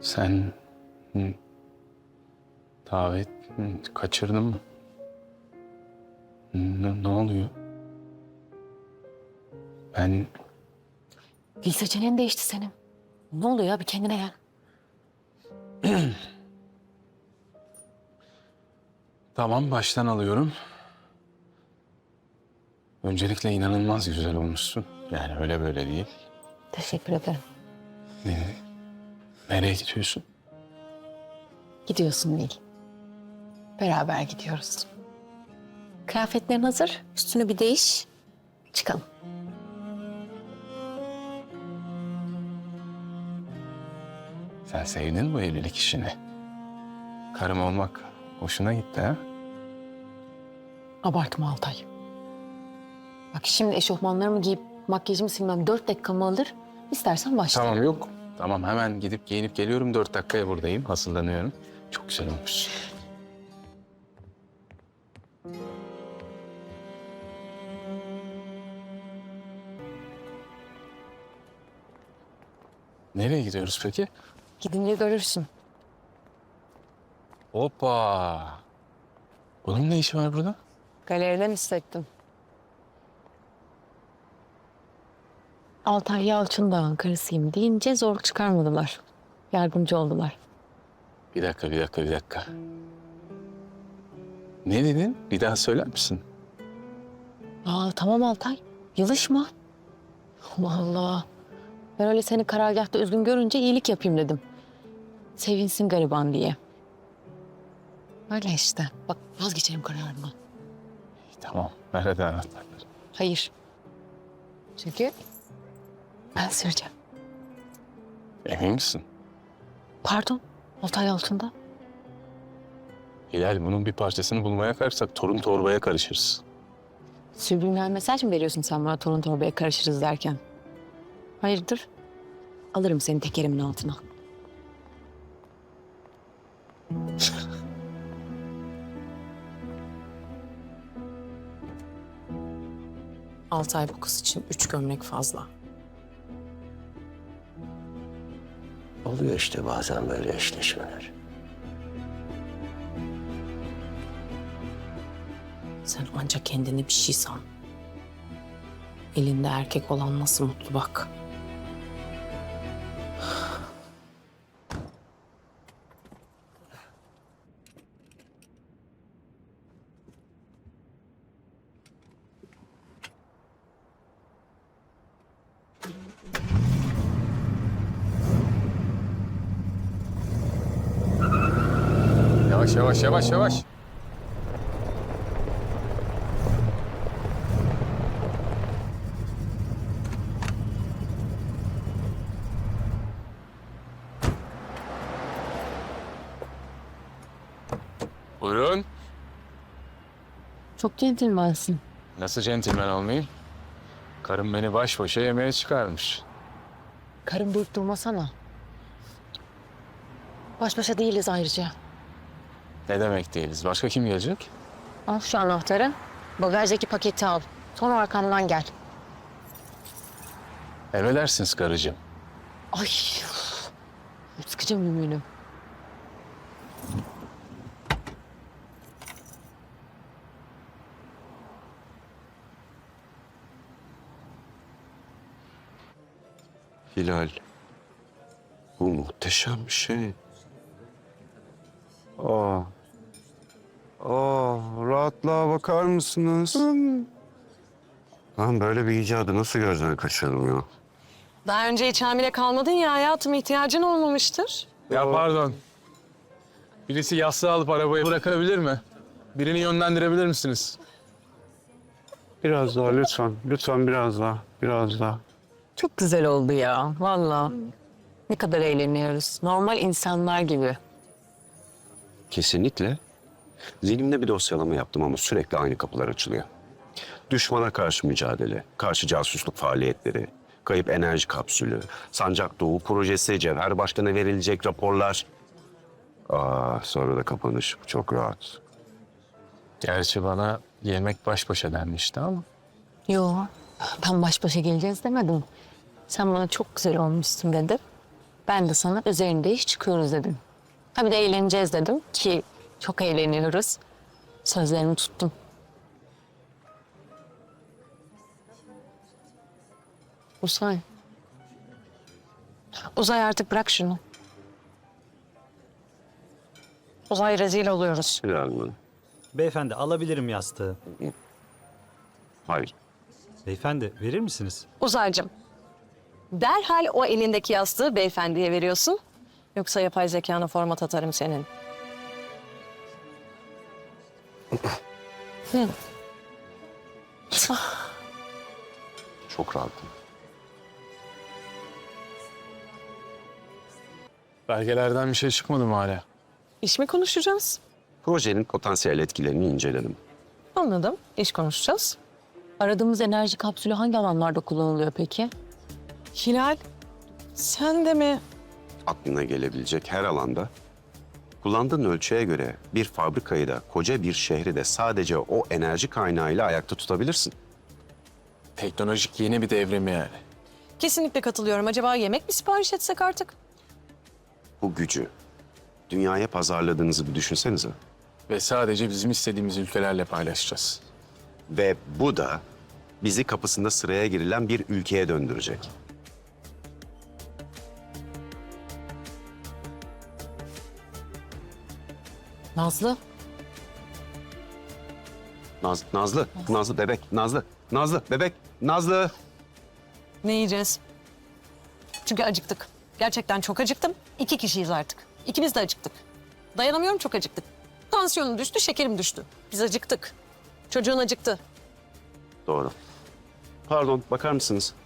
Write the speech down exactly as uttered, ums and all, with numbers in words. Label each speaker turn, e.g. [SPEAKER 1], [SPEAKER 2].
[SPEAKER 1] Sen hı, davet hı, kaçırdın mı? Ne, ne oluyor? Ben
[SPEAKER 2] Dil seçeneğin değişti senin. Ne oluyor ya? Bir kendine gel.
[SPEAKER 1] tamam baştan alıyorum. Öncelikle inanılmaz güzel olmuşsun. Yani öyle böyle değil.
[SPEAKER 2] Teşekkür ederim.
[SPEAKER 1] Ne, nereye gidiyorsun?
[SPEAKER 2] Gidiyorsun Nil. Beraber gidiyoruz. Kıyafetlerin hazır. Üstünü bir değiş. Çıkalım.
[SPEAKER 1] Sen sevdin bu evlilik işini. Karım olmak hoşuna gitti ha?
[SPEAKER 2] Abartma Altay. Bak şimdi eşofmanlarımı giyip makyajımı silmem dört dakikamı alır. İstersen başla.
[SPEAKER 1] Tamam yok. Tamam hemen gidip giyinip geliyorum. Dört dakikaya buradayım. Hazırlanıyorum. Çok güzel olmuş. Nereye gidiyoruz peki?
[SPEAKER 2] Gidince görürsün.
[SPEAKER 1] Hoppa. Bunun ne işi var burada?
[SPEAKER 2] Galeriden hissettim. Altay Yalçın karısıyım deyince zor çıkarmadılar. Yardımcı oldular.
[SPEAKER 1] Bir dakika, bir dakika, bir dakika. Ne dedin? Bir daha söyler misin?
[SPEAKER 2] Aa tamam Altay. Yılışma. Allah Allah. Ben öyle seni karargâhta üzgün görünce iyilik yapayım dedim. Sevinsin gariban diye. Öyle işte. Bak vazgeçerim kararımdan.
[SPEAKER 1] Tamam. Nerede anahtarlar?
[SPEAKER 2] Hayır. Çünkü ben süreceğim.
[SPEAKER 1] Emin misin?
[SPEAKER 2] Pardon. Altay altında.
[SPEAKER 1] Hilal bunun bir parçasını bulmaya kalksak torun torbaya karışırız.
[SPEAKER 2] Subliminal mesaj mı veriyorsun sen bana torun torbaya karışırız derken? Hayırdır? Alırım seni tekerimin altına. Altı ay bu kız için üç gömlek fazla.
[SPEAKER 3] Oluyor işte bazen böyle eşleşmeler.
[SPEAKER 2] Sen ancak kendini bir şey san. Elinde erkek olan nasıl mutlu bak.
[SPEAKER 1] Yavaş yavaş yavaş yavaş. Buyurun.
[SPEAKER 2] Çok centilmansın.
[SPEAKER 1] Nasıl centilmen olmayayım? Karım beni baş başa yemeğe çıkarmış.
[SPEAKER 2] Karın büyük durmasana. Baş başa değiliz ayrıca.
[SPEAKER 1] Ne demek değiliz? Başka kim gelecek?
[SPEAKER 2] Al şu anahtarı. Bagajdaki paketi al. Sonra arkamdan gel.
[SPEAKER 1] Emredersiniz karıcığım.
[SPEAKER 2] Ay. Sıkıcı mümünüm.
[SPEAKER 3] Hilal, bu muhteşem bir şey. Aa, aa, rahatlığa bakar mısınız? Lan böyle bir icadı nasıl gözden kaçırdım ya?
[SPEAKER 4] Daha önce hiç hamile kalmadın ya hayatım, ihtiyacın olmamıştır.
[SPEAKER 1] Ya pardon. Birisi yastığı alıp arabayı bırakabilir mi? Birini yönlendirebilir misiniz?
[SPEAKER 3] Biraz daha lütfen, lütfen biraz daha, biraz daha.
[SPEAKER 2] Çok güzel oldu ya. Vallahi. Ne kadar eğleniyoruz. Normal insanlar gibi.
[SPEAKER 3] Kesinlikle. Zihnimde bir dosyalama yaptım ama sürekli aynı kapılar açılıyor. Düşmana karşı mücadele, karşı casusluk faaliyetleri, kayıp enerji kapsülü, Sancak Doğu projesi, Cevher Başkan'a verilecek raporlar. Aa, sonra da kapanış. Çok rahat.
[SPEAKER 1] Gerçi bana yemek baş başa denmişti ama.
[SPEAKER 2] Yo, ben baş başa geleceğiz demedim. Sen bana çok güzel olmuşsun dedin. Ben de sana üzerinde iş çıkıyoruz dedim. Ha bir de eğleneceğiz dedim ki çok eğleniyoruz. Sözlerimi tuttum. Uzay. Uzay artık bırak şunu. Uzay rezil oluyoruz.
[SPEAKER 3] Hilal Hanım.
[SPEAKER 5] Beyefendi alabilirim yastığı.
[SPEAKER 3] Hayır.
[SPEAKER 5] Beyefendi verir misiniz?
[SPEAKER 4] Uzaycığım, derhal o elindeki yastığı beyefendiye veriyorsun. Yoksa yapay zekana format atarım senin. Hı.
[SPEAKER 3] Çok rahatım.
[SPEAKER 1] Belgelerden bir şey çıkmadı mı hala?
[SPEAKER 4] İş mi konuşacağız?
[SPEAKER 3] Projenin potansiyel etkilerini inceledim.
[SPEAKER 4] Anladım. İş konuşacağız.
[SPEAKER 2] Aradığımız enerji kapsülü hangi alanlarda kullanılıyor peki?
[SPEAKER 4] Hilal, sen de mi?
[SPEAKER 3] Aklına gelebilecek her alanda kullandığın ölçüye göre bir fabrikayı da koca bir şehri de sadece o enerji kaynağıyla ayakta tutabilirsin.
[SPEAKER 1] Teknolojik yeni bir devrim yani.
[SPEAKER 4] Kesinlikle katılıyorum. Acaba yemek mi sipariş etsek artık?
[SPEAKER 3] Bu gücü dünyaya pazarladığınızı bir düşünsenize.
[SPEAKER 1] Ve sadece bizim istediğimiz ülkelerle paylaşacağız.
[SPEAKER 3] Ve bu da bizi kapısında sıraya girilen bir ülkeye döndürecek.
[SPEAKER 2] Nazlı.
[SPEAKER 3] Naz, Nazlı, Nazlı bebek, Nazlı, Nazlı bebek, Nazlı.
[SPEAKER 4] Ne yiyeceğiz? Çünkü acıktık. Gerçekten çok acıktım. İki kişiyiz artık. İkimiz de acıktık. Dayanamıyorum, çok acıktık. Tansiyonum düştü, şekerim düştü. Biz acıktık. Çocuğun acıktı.
[SPEAKER 3] Doğru. Pardon, bakar mısınız?